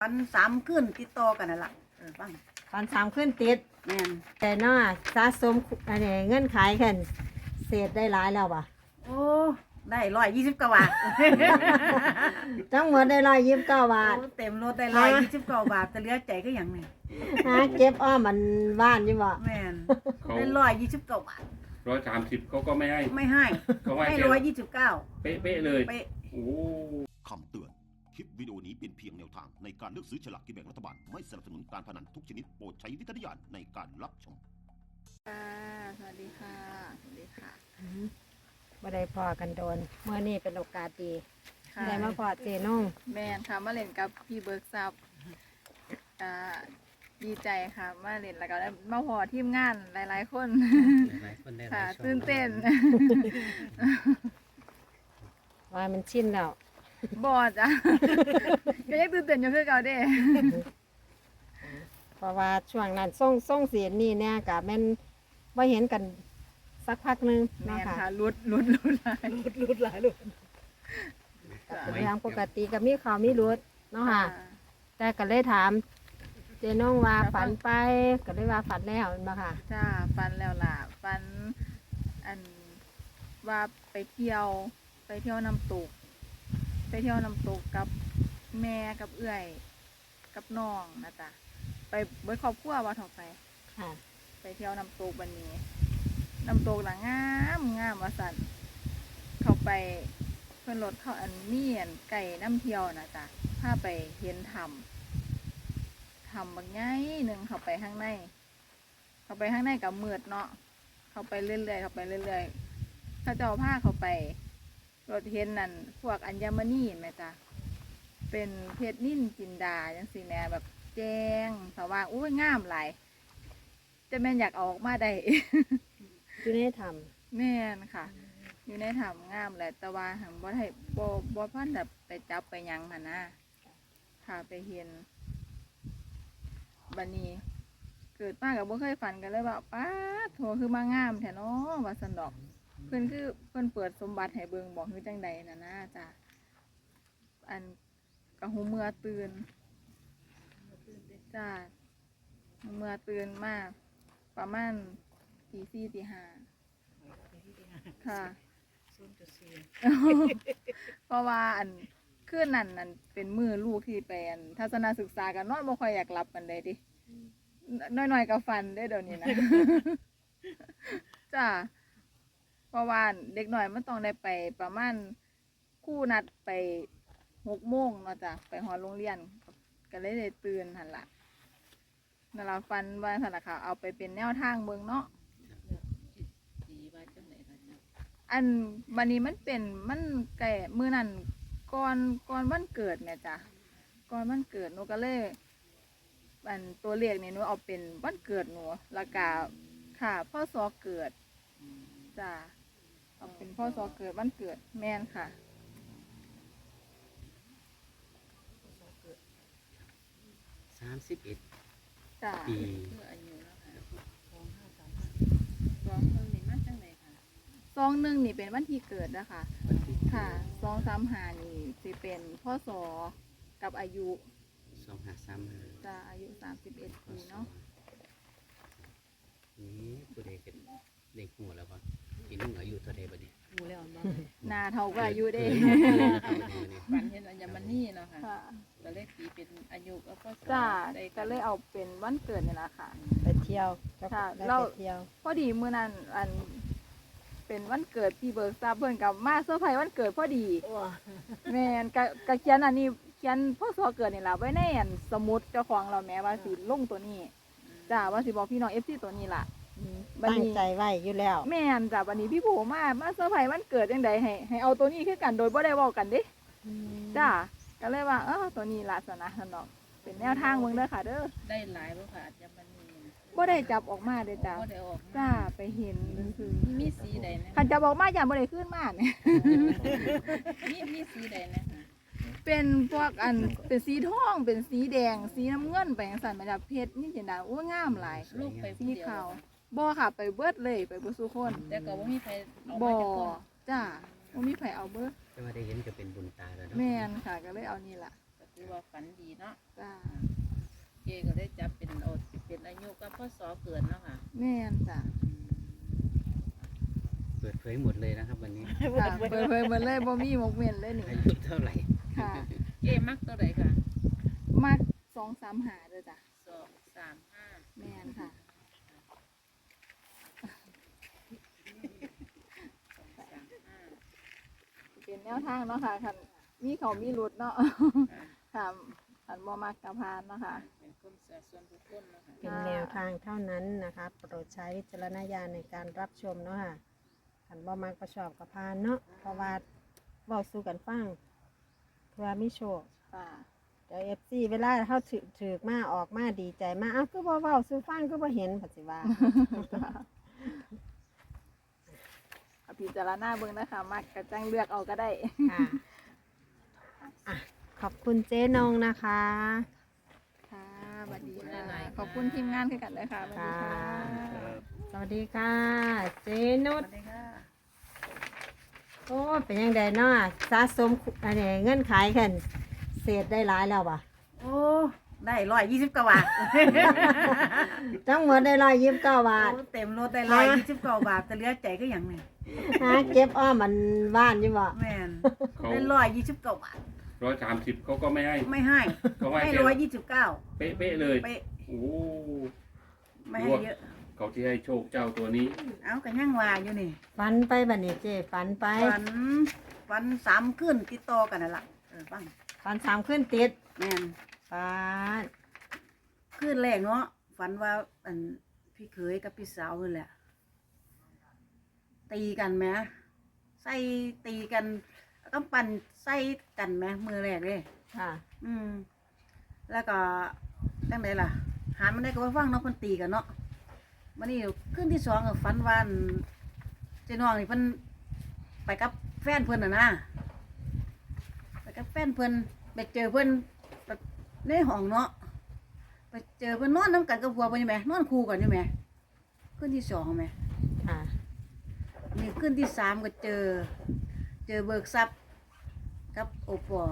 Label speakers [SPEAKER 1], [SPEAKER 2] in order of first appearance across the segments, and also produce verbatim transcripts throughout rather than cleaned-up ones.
[SPEAKER 1] ฝันสามคืนติดต่อกันนั่นล่ะเออฟัง
[SPEAKER 2] ตอนสามขึ้นติด
[SPEAKER 1] แม่น
[SPEAKER 2] แต่เนาะสะสมอันนี้เงินขายขึ้นเศษได้หลายแล้วป่ะ
[SPEAKER 1] โอ้ได้ร้อยยี่สิบเก้าบาท
[SPEAKER 2] ทั้งหมดได้ร้อยยี่สิบเก้าบาท
[SPEAKER 1] เต็มรถได้ร้อยยี่สิบเก้าบาทแต่เหลือใจก็อย่างนี้
[SPEAKER 2] หาเก็บอ้อมมันบ้านอยู่บ่
[SPEAKER 1] แม่นได้ร้อยยี่สิบเก้าบาท
[SPEAKER 3] ร้อยสามสิบเขาก็ไม่ให้
[SPEAKER 1] ไม่ให้
[SPEAKER 3] เขาให้
[SPEAKER 1] ร้อยยี่สิบเก้า
[SPEAKER 3] เป๊ะๆเลย
[SPEAKER 1] เป๊ะ
[SPEAKER 3] โอ้
[SPEAKER 4] คำเตือนคลิปวิดีโอนี้เป็นเพียงแนวทางในการเลือกซื้อฉลากกินแบ่งรัฐบาลไม่สนับสนุนการพนันทุกชนิดโปรดใช้วิจารณญาณในการรับชม
[SPEAKER 5] ค่ะสวัสดีค่ะสวัสดีค่ะ
[SPEAKER 2] บ่ได้พอกันโดนเมื่อนี้เป็นโอกาสดีได้มาพอเจน้อง
[SPEAKER 5] แมนค่ะมาเล่นกับพี่เบิร์กซับอ่าดีใจค่ะมาเล่นแล้วก็ได้มาพอทีมงานหลายๆคนค่ะตื่นเต้น
[SPEAKER 2] ว่ามันชินแล้ว
[SPEAKER 5] บอดอ่ะก็ยังตื่นเต้นอยู่คือเก่าเด้
[SPEAKER 2] เพราะว่าช่วงนั้นส่งส่งเสียงนี่เนี่ยกะแม่นบ่เห็นกันสักพักนึง
[SPEAKER 5] แม่
[SPEAKER 2] เนาะค่ะ
[SPEAKER 5] ลุดลุดลุดหลาย
[SPEAKER 1] ลุดลุดหลายลุด
[SPEAKER 2] เป็นเรื่องปกติก็มีข่าวมีรุดเนาะค่ะแต่ก็เลยถามเจน้องว่าฝันไปก็เลยว่าฝันแล้วบ่ค่ะ
[SPEAKER 5] จ้าฝันแล้วล่ะฝันอันว่าไปเที่ยวไปเที่ยวน้ำตกไปเที่ยวน้ำตกกับแม่กับเอื้อยกับน้องนะจ๊ะไปเบิดครอบครัวว่าถอไป
[SPEAKER 2] ค่ะ
[SPEAKER 5] ไปเที่ยวน้ำตกวันนี้น้ำตกหลังงามงามว่าสันเขาไปเพื่อนรถเขาอันเมียนไก่น้ำเที่ยวนะจ๊ะพาไปเห็นทำทำบางไงหนึ่งเขาไปข้างในเขาไปข้างในกับมืดเนาะเขาไปเรื่อยๆเขาไปเรื่อยๆเขาจะเอาผ้าเขาไปรถเห็นนั่นพวกอัญมณีไหมจ๊ะเป็นเพชรนิ่นจินดาจังสีแม่แบบแจ้งสว่างอุ้ยงามหลายจะแม่นอยากออกมาได้
[SPEAKER 2] อยู่ในถ้
[SPEAKER 5] ำแม่นค่ะอยู่ในถ้ำงามแหละแต่ว่าหังบ่ให้บ่บ่พันแบบไปจับไปยังหันนะค่ะไปเห็นบัดนี้เกิดมากับบ่เคยฝันกันเลยว่าป้าโถคือมางามแท้เนาะว่าสันดอกเพิ่นคือเพิ่นเปิดสมบัติให้เบิ่งบอกคือจังใดน่ะนะจ้ะอันกะหูเมื่อตื่นจ้าเมื่อตื่นมากประมาณตีสี่ตีห้าค่ะเพราะว่าอันคืนนั้นนั่นเป็นมือลูกที่ไปอันทัศนศึกษากันนอนบ่ค่อยอยากหลับกันเลยดิน้อยๆกับฟันได้เดี๋ยวนี้นะจ้าเพราะว่าเด็กหน่อยมันต้องได้ไปประมาณคู่นัดไปหกโมงเนาะจ้ะไปหอโรงเรียนก็เลยได้ตื่นหันละนั่นละฟันว่าสันละค่ะเอาไปเป็นแนวทางเบิ่งเนาะอันวันนี้มันเป็นมันแก่มือนั่นก่อนก่อนวันเกิดเนี่ยจ้ะก่อนวันเกิดหนูก็เลยอันตัวเลขนี่หนูเอาเป็นวันเกิดหนูแล้วก็ค่ะพ่อซอเกิดจ้ะเอาเป็นพ่อซอเกิดวันเกิดแม่นค่ะ
[SPEAKER 6] สามสิบเอ็ดปี
[SPEAKER 5] ซองหนึ่งนี่เป็นวันที่เกิดนะคะค่ะซองสามหานี่จะเป็นพ่อสอกับอายุ
[SPEAKER 6] สองห้าสามห้า
[SPEAKER 5] จะอายุสามสิบเอ็ดปีเนาะ
[SPEAKER 6] นี่ผู้ใดเป็นเด็กหัวแล้วปะอีนุ่งอายุเท่าไรบ้เนี่ย
[SPEAKER 5] หูแล้วบ้างนาเท่าก็อายุได้
[SPEAKER 7] ฝันเห็นอัญมณีเนาะค่ะก็เลยตีเป็นอายุก็ก็
[SPEAKER 5] จ้าก็เลยเอาเป็นวันเกิดนี่แหละค่ะ
[SPEAKER 2] ไปเที่ยว
[SPEAKER 5] ค่ะเราพอดีเมื่อนั้นอันเป็นวันเกิดพี่เบิร์กซับเพิ่นกับมาเซอร์ไพรส์วันเกิดพอดีแม่นกะกะเขียนอันนี้เขียนพ่อซอเกิดนี่ล่ะไว้ในอันสมุดเจ้าของเราแม้ว่าสิลงตัวนี้จ้าว่าสิบอกพี่น้อง เอฟ ซี ตัวนี้ล่ะ
[SPEAKER 2] ตั้งใจไว้อยู่แล้ว
[SPEAKER 5] แม่นจ้าวันนี้พี่โผมามาเซอร์ไพรส์วันเกิดจังได๋ให้ให้เอาตัวนี้คือกันโดยบ่ได้เว้ากันเด้จ้าก็เลยว่าเออตัวนี้ล่ะสนะซั่นเนาะเป็นแนวทางเบิ่งเด้อค่ะเด้อ
[SPEAKER 7] ได้หลายบ่ค่ะอัญมณี
[SPEAKER 5] บ่ได้จับออกมาเด้จ้าจ้าไปเห็นคือ
[SPEAKER 7] มีสีใดนะ
[SPEAKER 5] คันจับออกมาอย่างบ่ได้ขึ้นมาเนี่ย
[SPEAKER 7] มีมีสีใดนะ
[SPEAKER 5] เป็นพวกอันเป็นสีทองเป็นสีแดงสีน้ำเงินไปจังซั่นมาจากเพชรนี่จินดาโอ้งามหลาย
[SPEAKER 7] ลูกไป
[SPEAKER 5] สีขาวบ่ค่ะไปเบิดเลยไปเบิดซุคน
[SPEAKER 7] แต่ก็บ่มีไผเอา
[SPEAKER 5] บ่จ้าบ่มีไผเอาเบิด
[SPEAKER 6] แต่ว่าได้เห็นก็เป็นบุญตาแล้วเนาะ
[SPEAKER 5] แม่นค่ะก็เลยเอานี่ล่ะ
[SPEAKER 7] ก็ถืถือว่าฝันดีเนาะ
[SPEAKER 5] จ้า
[SPEAKER 7] เจก็ได้จับเป็นโอดเป็นอายุกับพ่อสอเกิดเนาะค่ะ
[SPEAKER 5] แม่นจ้ะ
[SPEAKER 6] เปิดเผยหมดเลยนะครับ วันนี้
[SPEAKER 5] จ้ะเปิดเผยหมดเลยบ่มีหมกเม่นเลยนี่
[SPEAKER 6] อายุเท่าไหร่
[SPEAKER 5] ค่ะ
[SPEAKER 7] เจมักตัวใดค่ะ
[SPEAKER 5] มักสองสามหาเด้อจ้ะ
[SPEAKER 7] สองสามห้า
[SPEAKER 5] แม่นค่ะ
[SPEAKER 7] สองสามห้า
[SPEAKER 5] เป็นแนวทางเนาะค่ะคันมีเขามีรุดเนาะ ค่ะคันบ่มักกะพานเนาะค่ะ
[SPEAKER 7] เป็นคนเสียส่วนบุคคลเนาะค่ะ
[SPEAKER 2] เป็นแนวทางเท่านั้นนะคะโปรดใช้วิจารณญาณในการรับชมเนาะค่ะขันบ่มักประชอบกับพานเนาะเพราะว่าเว้าสู่กันฟังเพื่อมีโชค
[SPEAKER 5] ค่ะ
[SPEAKER 2] เดี๋ยวเอฟซีเวลาเขาถือถือมาออกมาดีใจมาเอ้าคือบ่เว้าสู่ฟังคือบ่เห็นปัจจุบัน
[SPEAKER 5] เอาพิจารณาเบิ่งนะคะมักกะจังเลือกเอาก็ได้
[SPEAKER 2] ค่ะอ่ะ ขอบคุณเจ๊นงนะคะ
[SPEAKER 5] ค่ะสวัสดีค่ะขอบคุณทีมงานคือกันเลยค่ะสวัสดีค่ะ
[SPEAKER 2] สวัสดีค่ะ เจ๊นุ
[SPEAKER 1] ส
[SPEAKER 2] ช
[SPEAKER 1] วัสดีค่ะ
[SPEAKER 2] โอ้เป็นยังไงเนาะสะสมอะไรเงินขายขึ้นเศษได้หลายแล้วป่ะ
[SPEAKER 1] โอ้ได้ร้อยยี่สิบเก้าบาท
[SPEAKER 2] ทั้งหมดได้ร้อยยี่สิบเก้าบาท
[SPEAKER 1] โอ้เต็มรถได้ร้อยยี่สิบเก้าบาทแต่เหลือใจก็อย่างหนึง
[SPEAKER 2] หาเก็บอ้อมมันบ้านอยู่บ่
[SPEAKER 1] แม่น
[SPEAKER 3] เขา
[SPEAKER 1] ได้ร้อยยี่สิบเก้าบาท
[SPEAKER 3] ร้อยสามสิบเขาก็ไม่ให้
[SPEAKER 1] ไม่ให้
[SPEAKER 3] เขาให้
[SPEAKER 1] ให้
[SPEAKER 3] แค่
[SPEAKER 1] ร้อยยี่สิบเก้า
[SPEAKER 3] เป๊ะเป๊ะๆเลย
[SPEAKER 1] เป๊ะ
[SPEAKER 3] โอ้
[SPEAKER 1] ไม่ให้เยอะ
[SPEAKER 3] เขาที่ให้โชคเจ้าตัวนี้
[SPEAKER 1] เอากันย่างว่าอยู่นี่
[SPEAKER 2] ฝันไปบัดนี้เจ๊ฝันไป
[SPEAKER 1] ฝันฝันสามขึ้นติดต่อกันนั่นล่ะเออฟัง
[SPEAKER 2] ฝันสามขึ้นติด
[SPEAKER 1] แม่น
[SPEAKER 2] ฝัน
[SPEAKER 1] ขึ้นแรกเนาะฝันว่าอันพี่เขยกับพี่สาวนั่นแหละ ตีกันไหมใส่ตีกันก็ปั่นใส่กันไหมมือแรกเลย
[SPEAKER 2] ค่ะ
[SPEAKER 1] อืม แล้วก็ตั้งไหนล่ะ หามันได้ก็ว่าฟังเนาะเพิ่นตีกันเนาะมันนี่ขึ้นที่สองก็ฝันว่าอันเจ้าน้องนี่เพิ่นไปกับแฟนเพิ่นน่ะนะไปกับแฟนเพิ่นไปเจอเพิ่นในห้องเนาะไปเจอเพิ่นนอนน้ำกันกับผัวเพิ่นอยู่ไหมนอนคู่กันอยู่ไหมขึ้นที่สองไหม
[SPEAKER 2] ค่ะ
[SPEAKER 1] นี่ขึ้นที่สามก็เจอ เจอเบิกทรัพย์กับโอปอ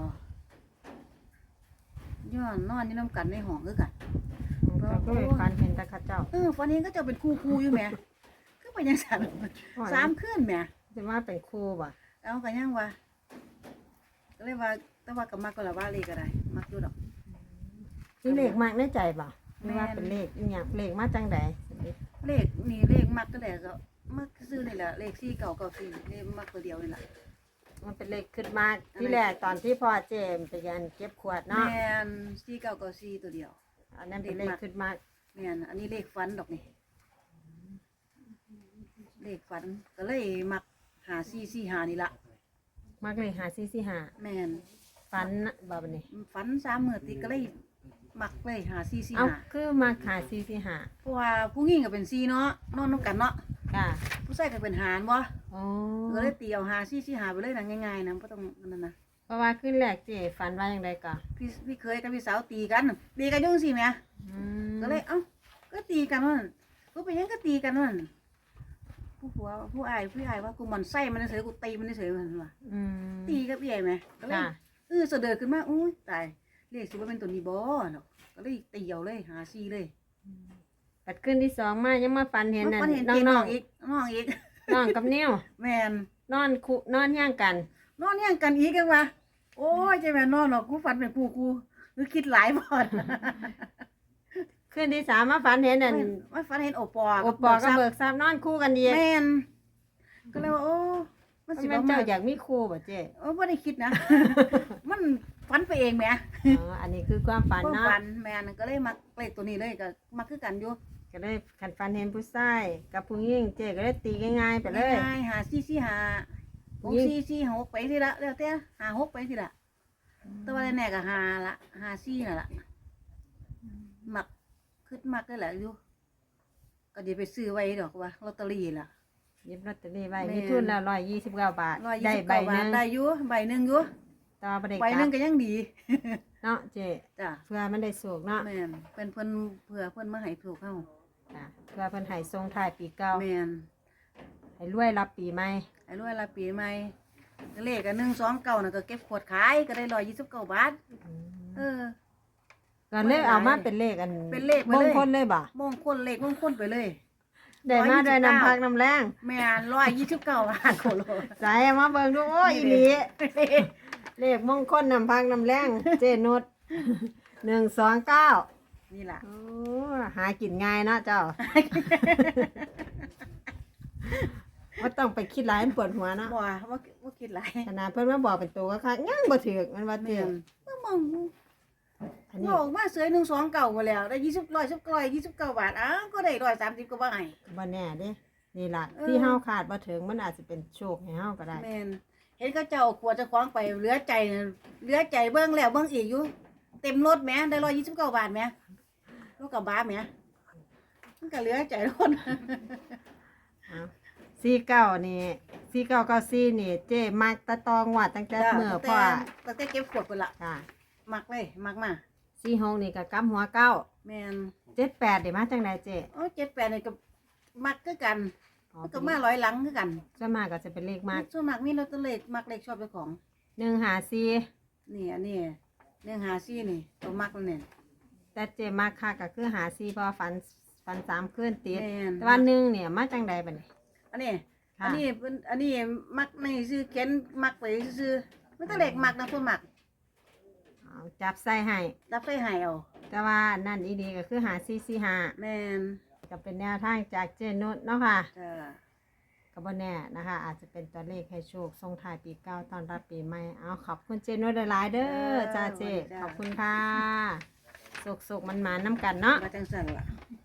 [SPEAKER 1] ย้อนนอนอยู่น้ำกันในห้องคือกัน
[SPEAKER 2] ก็คือฝันเห็นแตะข้าเจ้า
[SPEAKER 1] เออฟันนี้ก็จะเป็นคู่คู่อยู่แหม่คือไปยังสามสามขึ้นแหม่
[SPEAKER 2] จะว่าเป็นครูบ่
[SPEAKER 1] เอากันยังวะก็เลยว่าแต่ว่ากับมักก็ละว่าเลขอะไรมักอยู่ดอก
[SPEAKER 2] นี่เลขมากในใจบ่ไม่ว่าเป็นเลขอีหยังเลขมาจังใด
[SPEAKER 1] เลขนี่เลขมักก็แหละก็มักซื้อนี่แหละเลขสี่เก่าเก่าสี่เลขมักตัวเดียวนี่แหละ
[SPEAKER 2] มันเป็นเลขขึ้นมากที่แรกตอนที่พ่อเจมไปยันเก็บขวด
[SPEAKER 1] แม
[SPEAKER 2] เนาะ
[SPEAKER 1] นสี่เก่าเก่าสี่ตัวเดียว
[SPEAKER 2] อันนั้นเป็นเลขขึ้นมาก
[SPEAKER 1] แมนอันนี้เลขฟันดอกนี่เลขฟันก็เลยมักหาสี่สี่หานี่ละ
[SPEAKER 2] มากเลยหาซีซีหา
[SPEAKER 1] แมน
[SPEAKER 2] ฟันนะบ่บัดนี้
[SPEAKER 1] ฟันสามมือติดก็เลยมักเลยหาสี่สี่
[SPEAKER 2] เอา
[SPEAKER 1] หา
[SPEAKER 2] คือมาหาซีซีหา
[SPEAKER 1] เพราะว่าผู้หญิงก็เป็นสี่เนาะนอนน้ำกันเนาะ
[SPEAKER 2] ค่ะ
[SPEAKER 1] ผู้ชายก็เป็นหารบ่
[SPEAKER 2] อ๋อ
[SPEAKER 1] ก็เลยตีเอาหาซี่ซี่หาไปเลยนะง่ายๆนะบ่ต้องนั่นนะ
[SPEAKER 2] เพราะว่าขึ้นแรกเจฝันว่าอย่างไรก่อน
[SPEAKER 1] พี่พี่เคยกับพี่สาวตีกันตีกันอยุ่จังซี่แหม
[SPEAKER 2] อืม
[SPEAKER 1] ก็เลยเอ้าก็ตีกันว่าก็เป็นหยังก็ตีกันว่าผู้ผัวผู้อายผู้อายว่ากูหมันไส้มันเฉยกูตีมันเฉยมันว่า
[SPEAKER 2] อืม
[SPEAKER 1] ตีกับพี่ใหญ่ไหมก็เลย
[SPEAKER 2] ค่ะ
[SPEAKER 1] เออเสด็จขึ้นมาอุ้ยตายเลขสิว่าเป็นตัวนี้บ่เนาะก็เลยตีเอาเลยหาซี่เลย
[SPEAKER 2] ปัดขึ้นที่สองมายังมาฝันเห็นนั่น
[SPEAKER 1] มันเห็น
[SPEAKER 2] น้
[SPEAKER 1] ตี
[SPEAKER 2] อง
[SPEAKER 1] น้
[SPEAKER 2] น้
[SPEAKER 1] อ
[SPEAKER 2] อง ง
[SPEAKER 1] อีกน้องอีก
[SPEAKER 2] น้องกับนิ้ว
[SPEAKER 1] แมน
[SPEAKER 2] นอนคุนอนย่างกัน
[SPEAKER 1] นอนยังกันอีกกันวะโอ้ยใจแม่นอนหรอกกูฝันเป็นกูกูหรือคิดหลายบ่อน
[SPEAKER 2] ขึ้นที่สามมาฝันเห็นนั่น
[SPEAKER 1] ไม่ฝันเห็นโอปอ
[SPEAKER 2] โอปอกับเบิกทรัพย์นอนคู่กันดี
[SPEAKER 1] แม่นก็เลยว่าโอ้มันสิ
[SPEAKER 2] มัน
[SPEAKER 1] บ่
[SPEAKER 2] เจ้า
[SPEAKER 1] มา
[SPEAKER 2] อยากมีคู่บ่เจ๊
[SPEAKER 1] โอ้บ่ได้คิดนะ มันฝันไปเองแหม
[SPEAKER 2] อ๋ออันนี้คือความฝัน
[SPEAKER 1] ความ
[SPEAKER 2] เนาะ
[SPEAKER 1] ฝันแม่นก็เลยมักเลขตัวนี้เลยก็มักคือกันอยู่
[SPEAKER 2] ก็เลยขันฝันเห็นผู้ชายกับผู้หญิงเจ๊ก็เลยตีง่ายๆไปเลย
[SPEAKER 1] ง่ายๆหาซี่ซี่หาหกซี่ซี่หกไปทีละแล้วแต่หาหกไปทีละแต่ว่าแน่ๆก็หาละหาซี่นั่นล่ะมักคิดมักได้แหละอยู่ก็เดี๋ยวไปซื้อไว้ดอกว่าลอตเตอรี่ล่ะ
[SPEAKER 2] หยิบลอตเตอรี่ไว้
[SPEAKER 1] แม่
[SPEAKER 2] มีทุนแล้วร้อยยี่สิบเก้าบาท
[SPEAKER 1] ร้อยยี่
[SPEAKER 2] ได้
[SPEAKER 1] สิบ
[SPEAKER 2] ใบ
[SPEAKER 1] เก้า
[SPEAKER 2] ห
[SPEAKER 1] บา
[SPEAKER 2] นึ
[SPEAKER 1] ท
[SPEAKER 2] ง
[SPEAKER 1] ได้อยู่ใบหนึ่งอยู่
[SPEAKER 2] ต่อประเด็ก
[SPEAKER 1] ใบหนึ่งก็ยังดี
[SPEAKER 2] เนาะเจ๊
[SPEAKER 1] จ้ะ
[SPEAKER 2] เพื่อมันได้สูกเนาะ
[SPEAKER 1] แม่นเป็นเพิ่นเพื่อเพิ่นมาให้ถูกเฮา
[SPEAKER 2] จ้ะเพื่อเพิ่นให้ทรงท้ายปีเก่า
[SPEAKER 1] แม่น
[SPEAKER 2] ให้รวยรับปีใหม่
[SPEAKER 1] ไอ้รวยละปีใหม่เลขก็หนึ่งสองเก้าน่ะก็เก็บขวดขายก็ได้ร้อยยี่สิบเก้าบาท
[SPEAKER 2] อืม
[SPEAKER 1] เอเออ
[SPEAKER 2] ก็เลยเอามาเป็นเลขอัน
[SPEAKER 1] เป็นเลขไป
[SPEAKER 2] ม
[SPEAKER 1] เลย
[SPEAKER 2] งคลเลยบ่
[SPEAKER 1] มงคลเลขมงคลไปเลย
[SPEAKER 2] ได้มาด้วยน้ำพักน้ำแรง
[SPEAKER 1] แม่นร้อยยี่สิบเก้าบาทโคโล
[SPEAKER 2] ใส่มาเบิ่งดูโอ้ยอีหลีเลขมงคลน้ำพักน้ำแรงเจนุชหนึ่งสองเก้า
[SPEAKER 1] นี่ล่ะ
[SPEAKER 2] โอ้หากินง่ายเนาะเจ้าว่าต้องไปคิดหลายมันปวดหัวเนาะ
[SPEAKER 1] บ่ว่าว่าว่าคิดหลาย
[SPEAKER 2] ขนาดเพิ่นมาบอกเป็นตัวก็คักยังบ่ถือมันว่า
[SPEAKER 1] แม่
[SPEAKER 2] ถือน
[SPEAKER 1] ก็มอง
[SPEAKER 2] อันนี้
[SPEAKER 1] บอกมาเสยหนึ่งสองเก่ามาแล้วได้ยี่สิบร้อยสิบร้อยยี่สิบเก้าบาทอ้าวก็ได้ร้อยสามสิบก็ว่าไง
[SPEAKER 2] บ่แน่เด้นี่ล่ะ
[SPEAKER 1] เออ
[SPEAKER 2] ที่เฮาขาดบ่ถึงมันอาจจะเป็นโชคให้เฮาก็ได้
[SPEAKER 1] แม่นเห็นเขาเจ้าขวดเจะคว้าของไปเหลือใจน่ะเหลือใจเบิ้งแล้วเบิ้งอีกอยู่ เต็มรถแหม่ได้ร้อยยี่สิบเก้าบาทแหม่รถกระบะแหม่มันก็เหลือใจรถ
[SPEAKER 2] เอาสี่เก้านี่สี่เก้าเก้าสี่นี่เจ้มักตะตองวัดตั้งแต่เมื่อพ่อ
[SPEAKER 1] ตั้งแต่เก็บขวดไปละ
[SPEAKER 2] ค่ะ
[SPEAKER 1] มักเลยมักมา
[SPEAKER 2] สี่หกนี่ก็กำหัวเก้า
[SPEAKER 1] แม่น
[SPEAKER 2] เจ็ดแปดได้มาจังไดเจ้
[SPEAKER 1] โอ้เจ็ดแปดนี่ก็มักคือกัน
[SPEAKER 2] อ๋อ
[SPEAKER 1] มันก็มาร้อยหลังคือกัน
[SPEAKER 2] ส่วนมากก็จะเป็นเลขมาก
[SPEAKER 1] ส่วนมากมีลอตเตอรี่มักเลขชอบเจ้าของ
[SPEAKER 2] หนึ่งหาสี่
[SPEAKER 1] นี่อันนี้เรื่องหาซี่นี่ตัวมักแล้วเนี่ย
[SPEAKER 2] แต่เจ้มักค่ะก็คือหาสี่เพอฝันฝันสามคืนติด
[SPEAKER 1] แม่น
[SPEAKER 2] แต่ว่าหนึ่งเนี่ยมาจังใดบัดนี้
[SPEAKER 1] อันนี้
[SPEAKER 2] ค่ะ
[SPEAKER 1] อันนี้เป็นอันนี้มักในซื้อเขียนมักไปซื้อมันตั้งเด็กมักนะตัวมัก
[SPEAKER 2] เอาจับใส่ให้
[SPEAKER 1] รับไปใหายเอา
[SPEAKER 2] แต่ว่านั่นอีดีก็คือหาสี่สี่หา
[SPEAKER 1] แม่น
[SPEAKER 2] ก็เป็นแนวทางจากเจนุชเนาะค่ะ
[SPEAKER 1] จ้า
[SPEAKER 2] ก็บ่แน่นะคะ อาจจะเป็นตัวเลขให้โชคส่งท้ายปีเก่าตอนรับปีใหม่เอาขอบคุณเจนุชหลายๆเด้อจ้าเจขอบคุณค่ะสุกๆมันๆน้ำกันเนาะ
[SPEAKER 1] มาจังสันล่ะ